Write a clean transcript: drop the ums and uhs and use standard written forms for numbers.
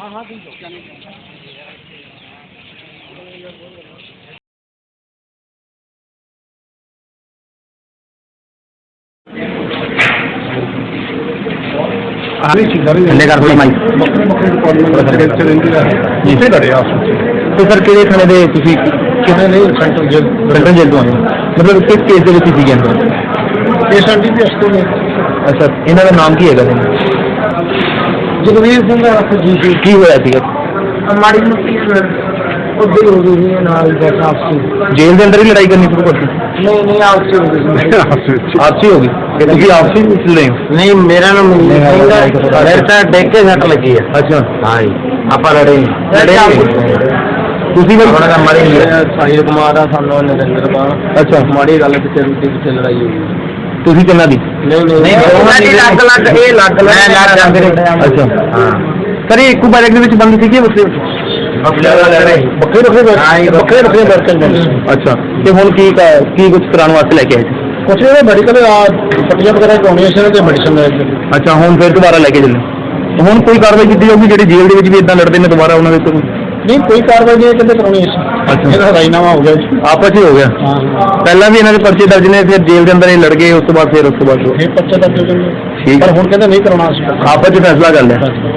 तो सर कि थाने दे central jail तो आए मतलब किस केस के अंदर अच्छा इन्हों का नाम की है जगवीर सिंह की होया माड़ी जेल के अंदर ही लड़ाई करनी शुरू करती नहीं आपसी होगी आपसी लड़े नहीं मेरा नाम देख के सट लगी है अच्छा हाँ जी आप लड़े साहिल कुमार नरेंद्र कुमार अच्छा माड़ी गल पिछले लड़ाई होगी किन्ना दी अच्छा सर एक बार बंद थी अच्छा तो हम की कुछ कराने वास्ते लेके आए कुछ मेडिकल पट्टियां वगैरह करानी मेडिसिन अच्छा हम फिर दोबारा लेके चले हम कोई कार्रवाई की जाऊगी जी जेल के भी इदा लड़ते हैं दोबारा उन्होंने नहीं कोई कार्रवाई नहीं कहते करानी अच्छा राजीनामा हो गया आपस ही हो गया पहला भी इन्होंने पर्चे दर्ज ने फिर जेल के अंदर ही लड़ गए उस बाद पर्चे दर्ज हो गए पर हम कहते नहीं कराना आपस फैसला कर लिया